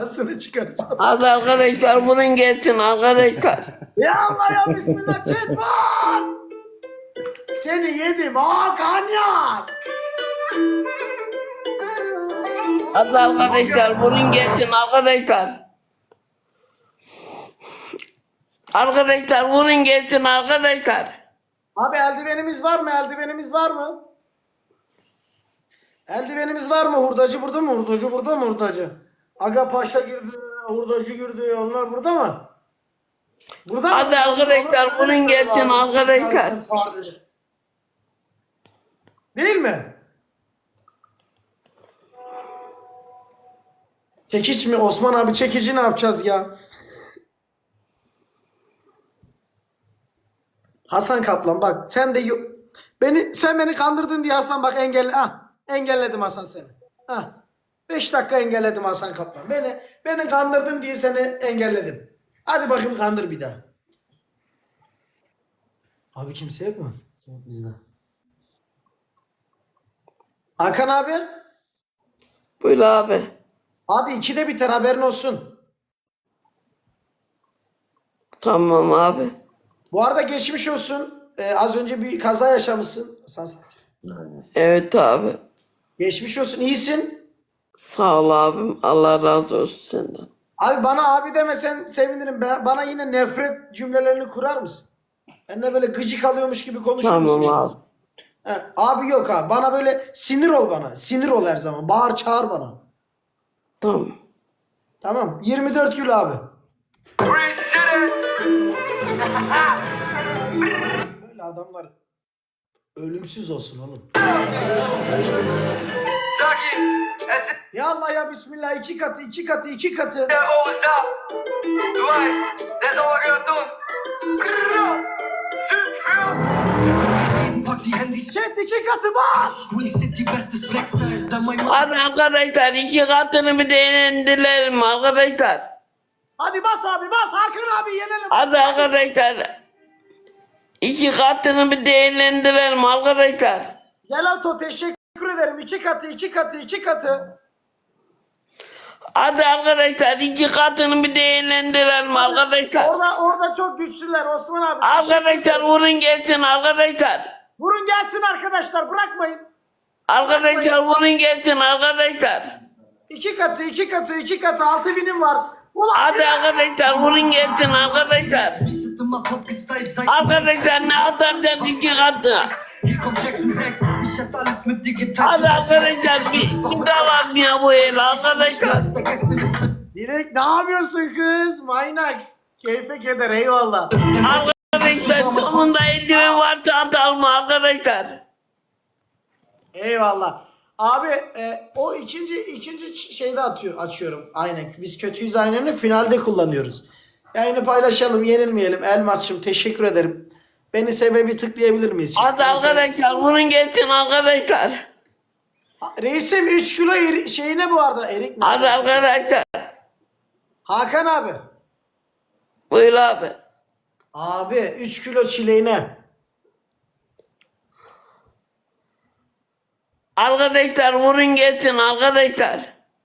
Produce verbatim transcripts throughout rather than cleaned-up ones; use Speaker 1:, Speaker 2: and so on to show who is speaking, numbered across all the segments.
Speaker 1: Parasını çıkaracağım.
Speaker 2: Hadi arkadaşlar bunun gelsin arkadaşlar.
Speaker 1: Ya Allah ya bismillah çek var. Seni yedim Hakan ya.
Speaker 2: Hadi arkadaşlar bunun gelsin arkadaşlar. Arkadaşlar bunun gelsin arkadaşlar.
Speaker 1: Abi eldivenimiz var mı? Eldivenimiz var mı? Eldivenimiz var mı? Hurdacı burada mı? Hurdacı burada mı? Hurdacı. Aga Paşa girdi. Hurdacı girdi. Onlar burada mı? Burada mı?
Speaker 2: Hadi arkadaşlar bunun gelsin arkadaşlar.
Speaker 1: Değil mi? Çekiç mi? Osman abi çekici ne yapacağız ya? Hasan Kaplan bak sen de yo- beni sen beni kandırdın diye Hasan bak engelle ah engelledim Hasan seni. Ah beş dakika engelledim Hasan Kaplan. Beni beni kandırdın diye seni engelledim. Hadi bakayım kandır bir daha. Abi kimse yok mu? Yok bizde. Hakan abi.
Speaker 2: Buyur abi.
Speaker 1: Abi ikide biter haberin olsun.
Speaker 2: Tamam abi.
Speaker 1: Bu arada geçmiş olsun. Ee, az önce bir kaza yaşamışsın. Hasan Sancak.
Speaker 2: Evet abi.
Speaker 1: Geçmiş olsun. İyisin.
Speaker 2: Sağ ol abim. Allah razı olsun senden.
Speaker 1: Abi bana abi demesen sevinirim. Ben, bana yine nefret cümlelerini kurar mısın? Ben de böyle gıcık alıyormuş gibi konuşur musun?
Speaker 2: Tamam abi.
Speaker 1: He, abi yok abi. Bana böyle sinir ol bana. Sinir ol her zaman. Bağır çağır bana.
Speaker 2: Tamam.
Speaker 1: Tamam. yirmi dört gül abi. Böyle adamlar ölümsüz olsun oğlum. Ya Allah ya Bismillah iki katı iki katı iki katı. Chat iki katı bas.
Speaker 2: Hadi arkadaşlar iki katını bir değerlendirelim arkadaşlar.
Speaker 1: Hadi bas abi bas. Hakan abi yenelim.
Speaker 2: Hadi arkadaşlar. İki katını bir değerlendirelim arkadaşlar.
Speaker 1: Gelato teşekkür ederim. iki katı iki katı iki katı.
Speaker 2: Hadi arkadaşlar iki katını bir değerlendirelim arkadaşlar.
Speaker 1: Orada orada çok güçlüler Osman abi.
Speaker 2: Arkadaşlar vurun gelsin arkadaşlar.
Speaker 1: Vurun gelsin arkadaşlar bırakmayın.
Speaker 2: Arkadaşlar vurun gelsin arkadaşlar.
Speaker 1: İki katı iki katı iki katı altı binim var. Ulan
Speaker 2: Hadi arkadaşlar vurun gelsin arkadaşlar. Arkadaşlar ne atarsan iki katı. Hadi arkadaşlar bir, bir daha ya bu el arkadaşlar.
Speaker 1: Dilek ne yapıyorsun kız? Maynak. Keyfe keder eyvallah.
Speaker 2: Arkadaşlar sonunda eldiven varsa atalım arkadaşlar.
Speaker 1: Eyvallah. Abi e, o ikinci ikinci şeyde atıyor açıyorum. Aynen. Biz kötüyüz aynını finalde kullanıyoruz. Yayını paylaşalım, yenilmeyelim. Elmas'cığım teşekkür ederim. Beni sebebi tıklayabilir miyiz?
Speaker 2: Hadi arkadaşlar vurun gelsin arkadaşlar.
Speaker 1: Reisim üç kilo eri, şeyine bu arada erik mi?
Speaker 2: Hadi arkadaşlar.
Speaker 1: Hakan abi.
Speaker 2: Buyur abi.
Speaker 1: Abi üç kilo çileğine.
Speaker 2: Arkadaşlar vurun gelsin arkadaşlar.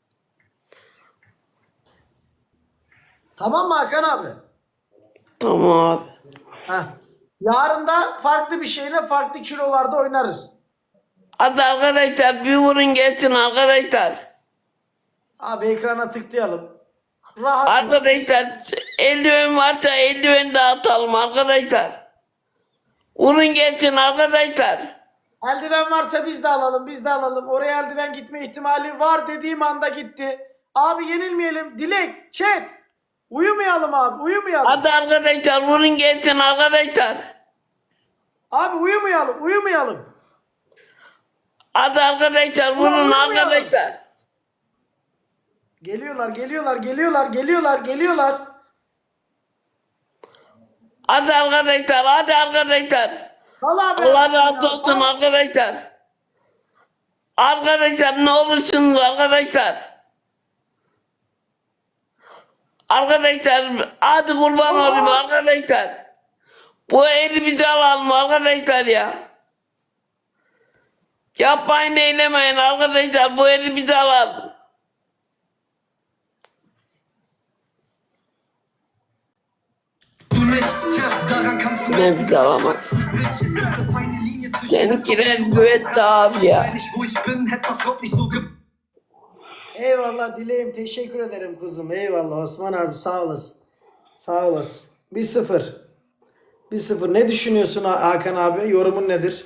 Speaker 1: Tamam mı Hakan abi?
Speaker 2: Tamam abi.
Speaker 1: Heh. Yarın da farklı bir şeyle farklı kilolarda oynarız.
Speaker 2: Hadi arkadaşlar bir vurun gelsin arkadaşlar.
Speaker 1: Abi ekrana tıklayalım. Rahat.
Speaker 2: Arkadaşlar eldiven varsa eldiven dağıtalım arkadaşlar. Vurun gelsin arkadaşlar.
Speaker 1: Eldiven varsa biz de alalım, biz de alalım. Oraya eldiven gitme ihtimali var dediğim anda gitti. Abi yenilmeyelim. Dilek, chat. Uyumayalım abi, uyumayalım.
Speaker 2: Hadi arkadaşlar vurun gelsin arkadaşlar.
Speaker 1: Abi uyumayalım, uyumayalım.
Speaker 2: Hadi arkadaşlar vurun
Speaker 1: uyumayalım.
Speaker 2: arkadaşlar.
Speaker 1: Geliyorlar, geliyorlar, geliyorlar, geliyorlar, geliyorlar.
Speaker 2: Hadi arkadaşlar hadi arkadaşlar.
Speaker 1: Al abi.
Speaker 2: Allah razı olsun arkadaşlar. Arkadaşlar ne olursunuz arkadaşlar. Arkadaşlar hadi kurban olayım arkadaşlar. Bu elimizi alalım arkadaşlar ya. Yapmayın eylemeyin arkadaşlar bu elimizi alalım. Ne bize alamaz. Seninkiler güvetti abi ya.
Speaker 1: Eyvallah Dileğim, teşekkür ederim kuzum. Eyvallah Osman abi, sağ olasın. Sağ olasın. bir sıfır. bir sıfır. Ne düşünüyorsun Ha- Hakan abi? Yorumun nedir?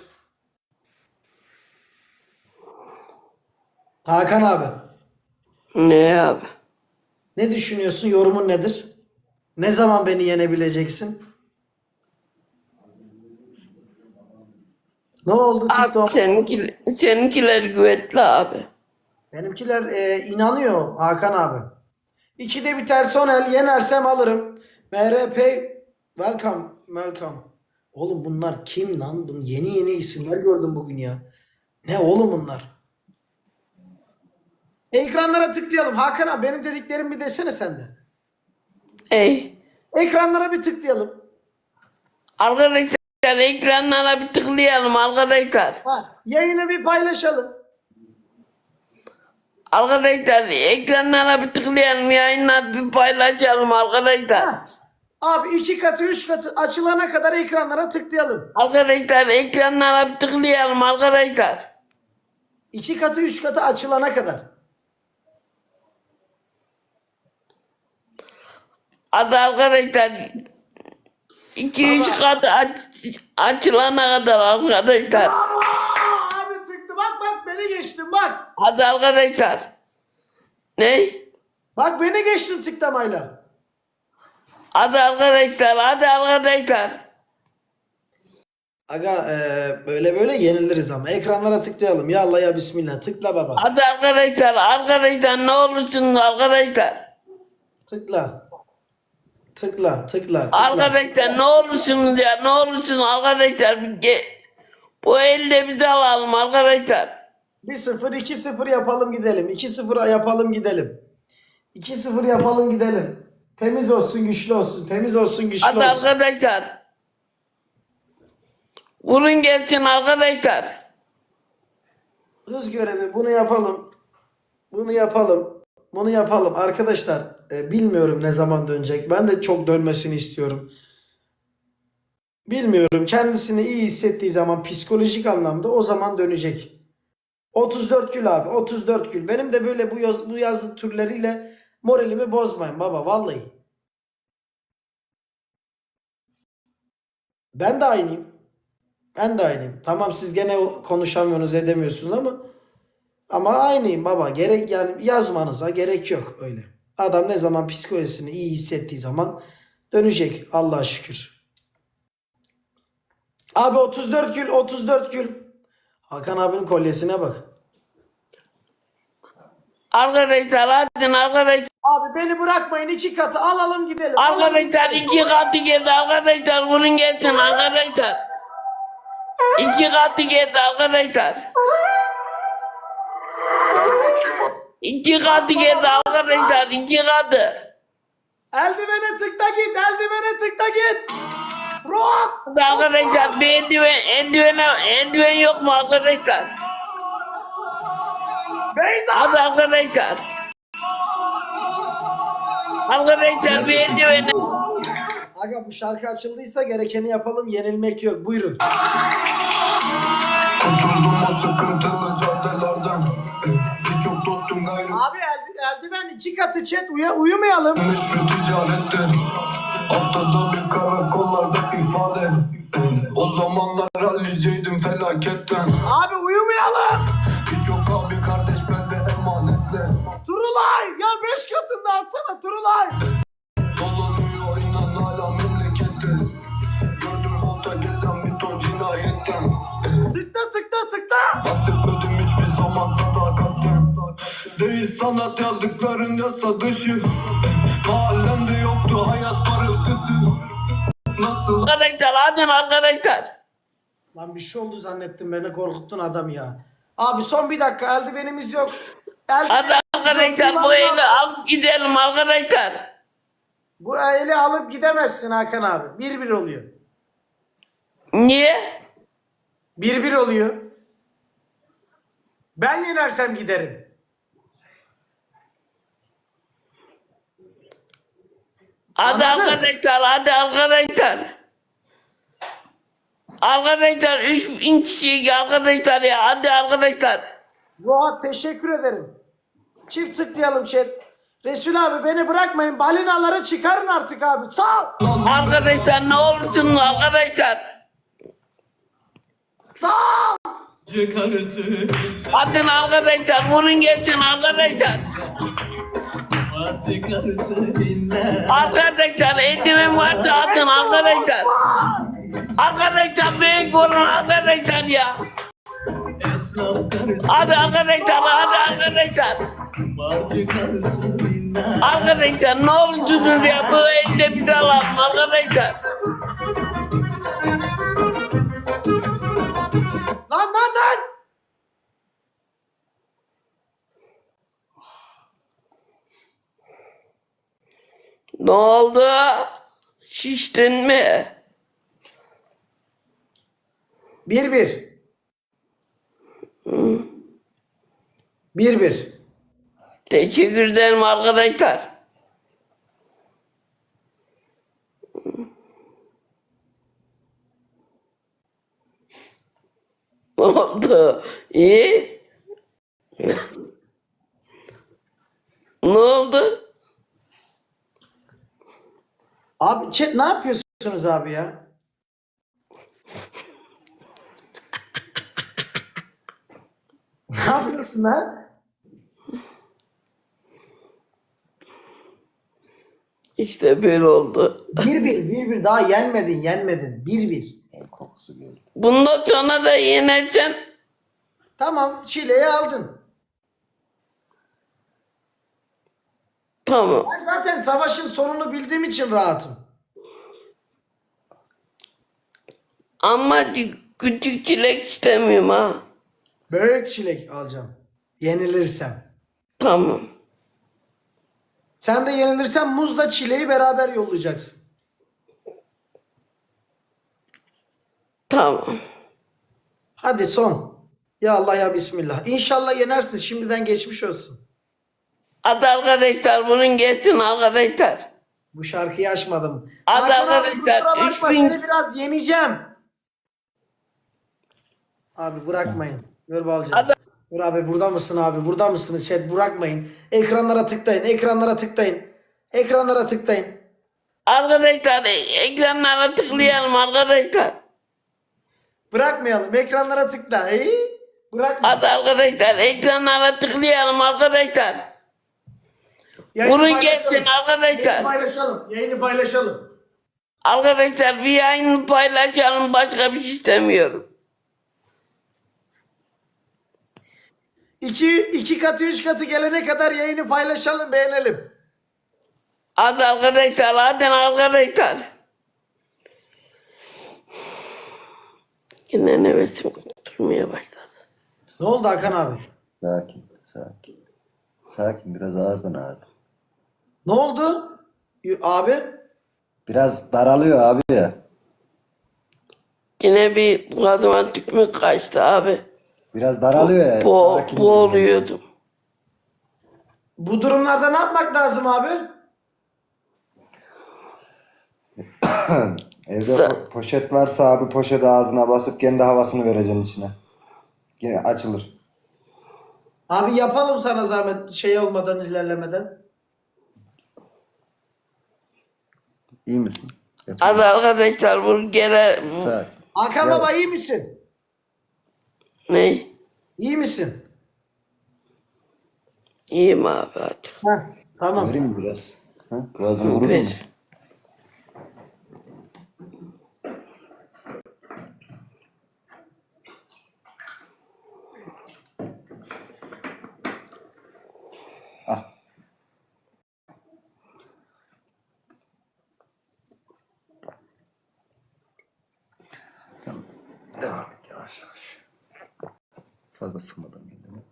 Speaker 1: Hakan abi.
Speaker 2: Ne abi?
Speaker 1: Ne düşünüyorsun? Yorumun nedir? Ne zaman beni yenebileceksin? Ne oldu
Speaker 2: Abi
Speaker 1: TikTok?
Speaker 2: seninkiler, seninkiler güvetli abi.
Speaker 1: Benimkiler e, inanıyor Hakan abi. İkide biter son el. Yenersem alırım. M R P welcome. Welcome. Oğlum bunlar kim lan? Bunun yeni yeni isimler gördüm bugün ya. Ne oğlum bunlar? Ekranlara tıklayalım. Hakan abi benim dediklerimi bir desene sen de.
Speaker 2: Ey.
Speaker 1: Ekranlara bir tıklayalım.
Speaker 2: Arkadaşlar ekranlara bir tıklayalım arkadaşlar.
Speaker 1: Ha, yayını bir paylaşalım.
Speaker 2: Arkadaşlar ekranlara bir tıklayalım, yayınlar bir paylaşalım arkadaşlar.
Speaker 1: Ha. Abi iki katı üç katı açılana kadar ekranlara tıklayalım.
Speaker 2: Arkadaşlar ekranlara bir tıklayalım arkadaşlar.
Speaker 1: İki katı üç katı açılana kadar.
Speaker 2: Hadi arkadaşlar iki üç katı aç, açılana kadar arkadaşlar.
Speaker 1: Aa, abi tıktı bak bak beni geçtin bak.
Speaker 2: Hadi arkadaşlar. Ne?
Speaker 1: Bak beni geçtin tıklamayla.
Speaker 2: Hadi arkadaşlar, hadi arkadaşlar.
Speaker 1: Aga e, böyle böyle yeniliriz ama. Ekranlara tıklayalım. Ya Allah ya Bismillah. Tıkla baba.
Speaker 2: Hadi arkadaşlar, arkadaşlar ne olursunuz arkadaşlar.
Speaker 1: Tıkla. Tıkla, tıkla, tıkla.
Speaker 2: Arkadaşlar ne olursunuz ya, ne olursunuz arkadaşlar. Bir ge- Bu elde bizi alalım arkadaşlar.
Speaker 1: bir sıfır iki sıfır yapalım gidelim. iki sıfır yapalım gidelim. iki sıfır yapalım gidelim. Temiz olsun, güçlü olsun. Temiz olsun, güçlü
Speaker 2: Hadi
Speaker 1: olsun.
Speaker 2: arkadaşlar. Vurun gelsin arkadaşlar.
Speaker 1: Hız görevi bunu yapalım. Bunu yapalım. Bunu yapalım. Arkadaşlar e, bilmiyorum ne zaman dönecek. Ben de çok dönmesini istiyorum. Bilmiyorum. Kendisini iyi hissettiği zaman psikolojik anlamda o zaman dönecek. otuz dört gül abi. otuz dört gül. Benim de böyle bu yaz, bu yazı türleriyle moralimi bozmayın baba. Vallahi. Ben de aynıyım. Ben de aynıyım. Tamam siz gene konuşamıyorsunuz edemiyorsunuz ama ama aynıyım baba. Gerek yani yazmanıza gerek yok öyle. Adam ne zaman psikolojisini iyi hissettiği zaman dönecek Allah'a şükür. Abi otuz dört gül otuz dört gül. Hakan abinin kolyesine bak.
Speaker 2: Arkadaşlar hadi arkadaşlar.
Speaker 1: Abi beni bırakmayın iki katı alalım gidelim. Alalım
Speaker 2: Arkadaşlar
Speaker 1: gidelim.
Speaker 2: iki katı geldi arkadaşlar. Vurun gelsin arkadaşlar. İki katı geldi arkadaşlar. İki katı geldi arkadaşlar. İki katı.
Speaker 1: Eldivene tıkla git eldivene tıkla git. Rock.
Speaker 2: Hadi arkadaşlar bir eldiven, eldivene, eldiven yok mu arkadaşlar?
Speaker 1: Beyza.
Speaker 2: Hadi arkadaşlar. Arkadaşlar bir eldivene.
Speaker 1: Aga bu şarkı açıldıysa gerekeni yapalım yenilmek yok buyurun.
Speaker 3: Kurtuldum o sıkıntılı caddelerden. Birçok dostum gayrı
Speaker 1: Abi eldi, eldiven iki katı chat uya, uyumayalım.
Speaker 3: şu ticarette. Haftada bir karakollarda ifade. O zamanlar halliceydim felaketten.
Speaker 1: Abi uyumayalım.
Speaker 3: Birçok abi kardeş bende emanetle.
Speaker 1: Turulay ya beş katında atsana Turulay.
Speaker 3: Dolanıyor inan hala memlekette. Gördüm volta gezen bir ton cinayetten.
Speaker 1: Tıkla tıkla tıkla.
Speaker 3: Bahsetmedim hiçbir zaman sadakatten. Değil sanat yazdıkların yasa dışı. Mahallemde yoktu hayat parıltısı. Nasıl
Speaker 2: Arkadaşlar hadi arkadaşlar.
Speaker 1: Lan bir şey oldu zannettim beni korkuttun adam ya. Abi son bir dakika eldivenimiz yok.
Speaker 2: Hadi arkadaşlar bu eli alıp gidelim arkadaşlar.
Speaker 1: Bu eli alıp gidemezsin Hakan abi. Bir bir oluyor.
Speaker 2: Niye?
Speaker 1: Bir bir oluyor. Ben yenersem giderim.
Speaker 2: Hadi
Speaker 1: Anladın?
Speaker 2: arkadaşlar, hadi arkadaşlar. Arkadaşlar üç bin kişi arkadaşlar ya, hadi arkadaşlar.
Speaker 1: Zuhat teşekkür ederim. Çift tıklayalım chat. Resul abi beni bırakmayın. Balinaları çıkarın artık abi. Sağ ol.
Speaker 2: Arkadaşlar ne olursunuz arkadaşlar.
Speaker 1: Sağ ol.
Speaker 4: Karısı
Speaker 2: Hadi arkadaşlar, vurun geçsin arkadaşlar.
Speaker 4: Parti karısı dinle
Speaker 2: Arkadaşlar eldiven varsa atın arkadaşlar. Arkadaşlar büyük vurun arkadaşlar ya.
Speaker 4: Esnaf karısı
Speaker 2: Hadi arkadaşlar, hadi arkadaşlar.
Speaker 4: Parti karısı dinle
Speaker 2: Arkadaşlar ne olursunuz ya, bu elde bize alalım arkadaşlar.
Speaker 1: Lan lan lan.
Speaker 2: Ne oldu? Şiştin mi?
Speaker 1: Bir bir. Bir bir.
Speaker 2: Teşekkür ederim arkadaşlar. Ne oldu? İyi. Ne oldu?
Speaker 1: Abi chat ne yapıyorsunuz abi ya? Ne yapıyorsun lan?
Speaker 2: İşte böyle oldu.
Speaker 1: Bir bir, bir bir. Daha yenmedin, yenmedin. Bir bir.
Speaker 4: Kokusu geldi.
Speaker 2: Bundan sonra da yeneceğim.
Speaker 1: Tamam, çileyi aldın.
Speaker 2: Tamam.
Speaker 1: Ben zaten savaşın sonunu bildiğim için rahatım.
Speaker 2: Ama küçük çilek istemiyorum ha.
Speaker 1: Büyük çilek alacağım. Yenilirsem.
Speaker 2: Tamam.
Speaker 1: Sen de yenilirsen muzla çileği beraber yollayacaksın.
Speaker 2: Tamam.
Speaker 1: Hadi son. Ya Allah ya Bismillah. İnşallah yenersin. Şimdiden geçmiş olsun.
Speaker 2: Hadi arkadaşlar, bunun geçsin arkadaşlar.
Speaker 1: Bu şarkıyı açmadım.
Speaker 2: Hadi
Speaker 1: Hakan abi,
Speaker 2: arkadaşlar,
Speaker 1: kusura bakma,
Speaker 2: üç bin
Speaker 1: seni biraz yeneceğim. Abi bırakmayın. Dur Balcan.
Speaker 2: Hadi.
Speaker 1: Dur abi, burada mısın abi? Burada mısınız? Chat bırakmayın. Ekranlara tıklayın. Ekranlara tıklayın. Ekranlara tıklayın.
Speaker 2: Arkadaşlar ekranlara tıklayalım arkadaşlar.
Speaker 1: Bırakmayalım. Ekranlara tıkla. İyi. Bırakma.
Speaker 2: Hadi arkadaşlar ekranlara tıklayalım arkadaşlar.
Speaker 1: Yayını
Speaker 2: Vurun
Speaker 1: paylaşalım.
Speaker 2: geçsin arkadaşlar.
Speaker 1: Yayını paylaşalım. Yayını paylaşalım.
Speaker 2: Arkadaşlar bir yayını paylaşalım, başka bir şey istemiyorum.
Speaker 1: İki, iki katı, üç katı gelene kadar yayını paylaşalım, beğenelim.
Speaker 2: Hadi arkadaşlar, hadi arkadaşlar. Yine nefesim durmaya başladı.
Speaker 1: Ne oldu Hakan abi?
Speaker 4: Sakin sakin Sakin biraz ağırdın ağırdın
Speaker 1: Ne oldu? Y- Abi?
Speaker 4: Biraz daralıyor abi ya
Speaker 2: Yine bir boğazıma tükmük kaçtı abi.
Speaker 4: Biraz daralıyor ya
Speaker 2: Bo
Speaker 4: sakin
Speaker 2: boğuluyordum.
Speaker 1: Bu durumlarda ne yapmak lazım abi?
Speaker 4: Evde
Speaker 2: Sa-
Speaker 4: po- poşet varsa abi poşeti ağzına basıp kendi havasını vereceksin içine. Yine açılır.
Speaker 1: Abi yapalım sana zahmet, şey olmadan, ilerlemeden.
Speaker 4: İyi misin? Yap.
Speaker 2: Hadi arkadaşlar, bu gele...
Speaker 4: Sakin.
Speaker 1: Hakan
Speaker 4: Evet.
Speaker 1: baba iyi misin?
Speaker 2: Ne?
Speaker 1: İyi misin?
Speaker 2: İyiyim abi hadi.
Speaker 1: Heh, tamam.
Speaker 4: Vereyim mi biraz? Ha? Boğazını vurur mu?
Speaker 2: Ver.
Speaker 4: Ah. Tamam. Devam et yavaş yavaş. Fazla sıkmadan kendini.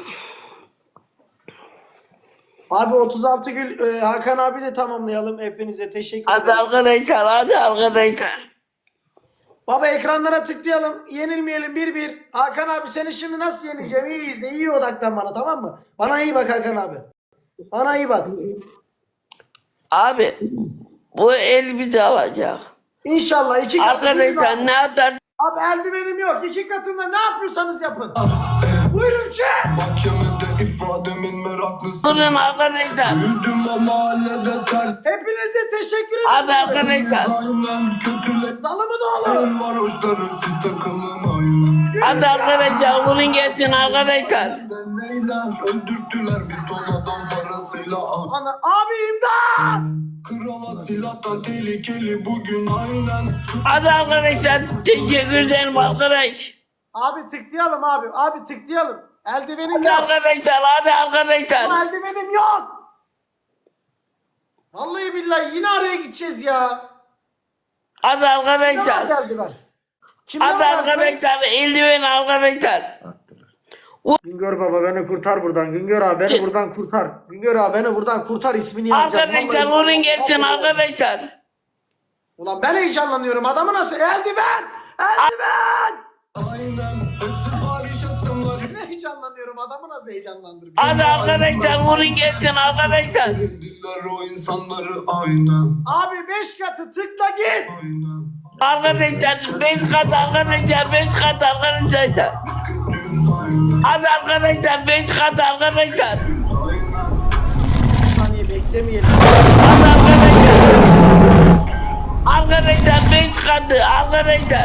Speaker 1: Abi otuz altı gül e, Hakan abi de tamamlayalım. Hepinize teşekkür
Speaker 2: Hadi
Speaker 1: ederim.
Speaker 2: arkadaşlar, hadi arkadaşlar.
Speaker 1: Baba ekranlara tıklayalım. Yenilmeyelim bir bir. Hakan abi seni şimdi nasıl yeneceğim? İyi izle. İyi odaklan bana, tamam mı? Bana iyi bak Hakan abi. Bana iyi bak.
Speaker 2: Abi Bu el bizi alacak.
Speaker 1: İnşallah iki katı.
Speaker 2: Arkadaşlar ne atar?
Speaker 1: Abi eldivenim yok. İki katında ne yapıyorsanız yapın. Buyurun chat.
Speaker 3: Mahkemede ifademin meraklısı.
Speaker 2: Durun arkadaşlar.
Speaker 3: Büyüdüm o mahallede ter.
Speaker 1: Hepinize teşekkür ederim.
Speaker 2: Hadi arkadaşlar.
Speaker 3: Aynen kötüler.
Speaker 1: Zalımın oğlu.
Speaker 3: En varoşları siz takılın aynen.
Speaker 2: Hadi arkadaşlar vurun gelsin arkadaşlar.
Speaker 3: Neyler öldürttüler bir ton adam parasıyla.
Speaker 1: Ana, abi imdat.
Speaker 3: Krala silahtan tehlikeli bugün aynen.
Speaker 2: Hadi arkadaşlar teşekkür ederim arkadaş.
Speaker 1: Abi tıklayalım abi. Abi tıklayalım. Eldivenim
Speaker 2: Hadi
Speaker 1: yok.
Speaker 2: arkadaşlar hadi arkadaşlar.
Speaker 1: Bu eldivenim yok. Vallahi billahi yine araya gideceğiz ya.
Speaker 2: Hadi
Speaker 1: Kimden
Speaker 2: arkadaşlar.
Speaker 1: geldi ben? Kimden
Speaker 2: Hadi
Speaker 1: geldi?
Speaker 2: arkadaşlar eldiven arkadaşlar.
Speaker 1: Güngör baba beni kurtar buradan. Güngör abi beni
Speaker 2: Ki-
Speaker 1: buradan kurtar. Güngör abi beni buradan kurtar, ismini yazacağım.
Speaker 2: Arkadaşlar
Speaker 1: Vallahi-
Speaker 2: vurun gelsin arkadaşlar.
Speaker 1: Ulan ben heyecanlanıyorum. Adamı nasıl? Eldiven! Eldiven!
Speaker 3: Aynen hepsi Paris asımları.
Speaker 1: Ne heyecanlanıyorum. Adamı nasıl heyecanlandırıyor?
Speaker 2: Hadi arkadaşlar vurun gelsin arkadaşlar.
Speaker 3: Sevdiler o insanları aynen.
Speaker 1: Abi beş katı tıkla git.
Speaker 3: Aynen.
Speaker 2: Arkadaşlar beş kat arkadaşlar beş kat arkadaşlar.
Speaker 3: Kötüyüz aynen.
Speaker 2: Hadi arkadaşlar beş kat arkadaşlar.
Speaker 1: Bir saniye beklemeyelim.
Speaker 2: Hadi arkadaşlar. Arkadaşlar beş katı arkadaşlar.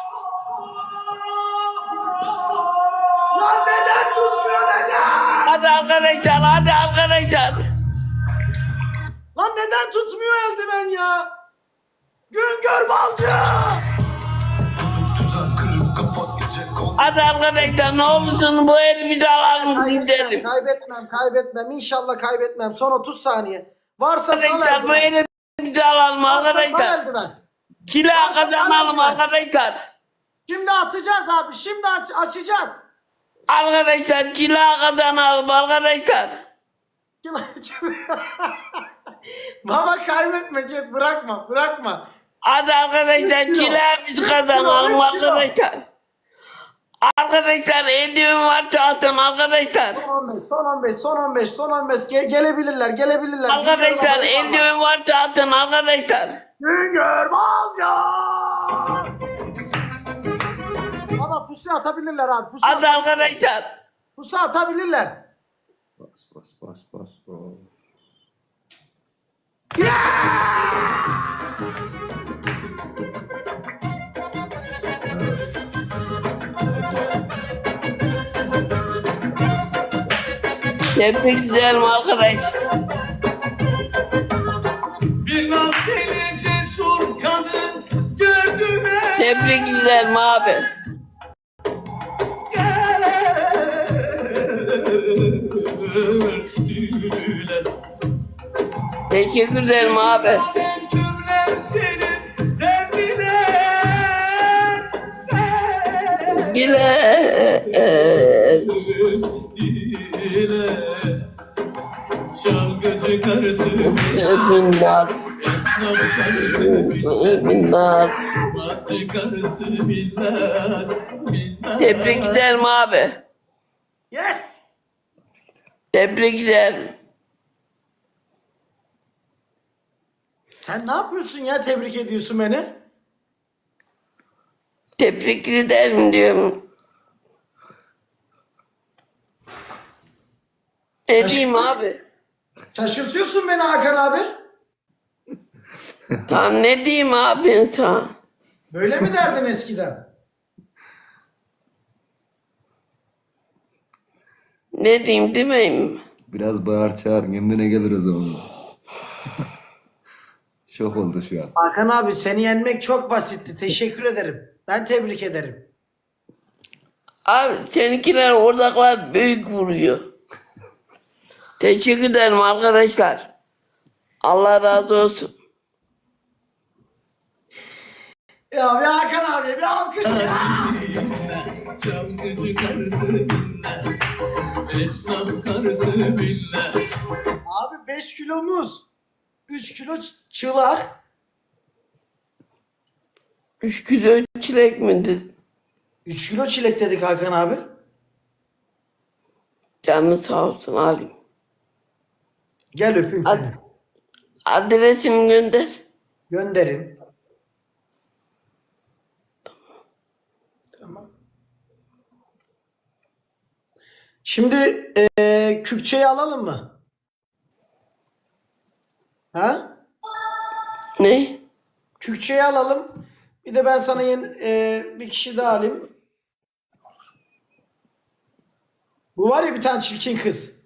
Speaker 1: Lan neden tutmuyor neden?
Speaker 2: Hadi arkadaşlar hadi arkadaşlar.
Speaker 1: Lan neden tutmuyor eldiven ya? Güngör balcı!
Speaker 3: Bozuk düzen kırık kafa gece kol.
Speaker 2: Hadi arkadaşlar ne olursun bu elimizi alalım gidelim.
Speaker 1: Kaybetmem, kaybetmem. İnşallah kaybetmem. Son otuz saniye. Varsa sal
Speaker 2: Arkadaşlar bu
Speaker 1: eldiven.
Speaker 2: elimizi alalım
Speaker 1: Varsa sal
Speaker 2: arkadaşlar.
Speaker 1: eldiven.
Speaker 2: Silah kazanalım arkadaşlar.
Speaker 1: Şimdi atacağız abi. Şimdi aç açacağız.
Speaker 2: Arkadaşlar silah kazanalım arkadaşlar.
Speaker 1: Baba kaybetme Cep, bırakma bırakma.
Speaker 2: Hadi arkadaşlar
Speaker 1: Üç kilo.
Speaker 2: silahımızı
Speaker 1: Üç kilo,
Speaker 2: kazanalım
Speaker 1: üç kilo.
Speaker 2: arkadaşlar. Arkadaşlar eldiven varsa atın arkadaşlar.
Speaker 1: Son on beş, son on beş, son on beş, son on beş. Ge- gelebilirler, gelebilirler.
Speaker 2: Arkadaşlar
Speaker 1: Güngör Balcı.
Speaker 2: eldiven varsa atın arkadaşlar.
Speaker 1: Güngör Balcı. Baba pusu atabilirler abi. Pusu,
Speaker 2: Hadi arkadaşlar.
Speaker 1: pusu atabilirler.
Speaker 4: Bas bas bas bas. bas.
Speaker 2: Tebrik ederim arkadaş.
Speaker 3: Bir laf seni cesur kadın gördüler.
Speaker 2: Tebrik ederim abi. Teşekkür ederim abi.
Speaker 3: Alem cümlem senin sevdiler.
Speaker 2: Güle.
Speaker 3: Çalgıcı karısı,
Speaker 2: Binnaz.
Speaker 3: esnaf karısı,
Speaker 2: Binnaz.
Speaker 3: matçı karısı bilmez. Bilmez.
Speaker 2: Tebrik ederim abi.
Speaker 1: Yes.
Speaker 2: Tebrik ederim.
Speaker 1: Sen ne yapıyorsun ya, tebrik ediyorsun beni?
Speaker 2: Tebrik ederim diyorum. Ne diyeyim abi?
Speaker 1: Şaşırtıyorsun beni Hakan abi.
Speaker 2: Tamam ne diyeyim abi insan?
Speaker 1: Böyle mi derdin eskiden?
Speaker 2: Ne diyeyim demeyeyim mi?
Speaker 4: Biraz bağır çağır kendine gelir o zaman. Şok oldu şu an.
Speaker 1: Hakan abi seni yenmek çok basitti. Teşekkür ederim. Ben tebrik ederim.
Speaker 2: Abi seninkiler oradakiler büyük vuruyor. Teşekkür ederim arkadaşlar. Allah razı olsun.
Speaker 1: Ya bir Hakan abi bir alkış ya.
Speaker 3: Çalgıcı karısı bilmez. Esnaf karısı bilmez.
Speaker 1: Abi beş kilomuz. üç kilo ç- çılak.
Speaker 2: Üç kilo çilek mi dedin?
Speaker 1: üç kilo çilek dedik Hakan abi.
Speaker 2: Canı sağ olsun alayım.
Speaker 1: Gel öpeyim
Speaker 2: Ad
Speaker 1: seni.
Speaker 2: adresini gönder.
Speaker 1: Gönderin. Tamam. Şimdi eee Kürtçeyi alalım mı? Ha?
Speaker 2: Ne?
Speaker 1: Kürtçeyi alalım. Bir de ben sana yeni eee, bir kişi daha alayım. Bu var ya bir tane çirkin kız.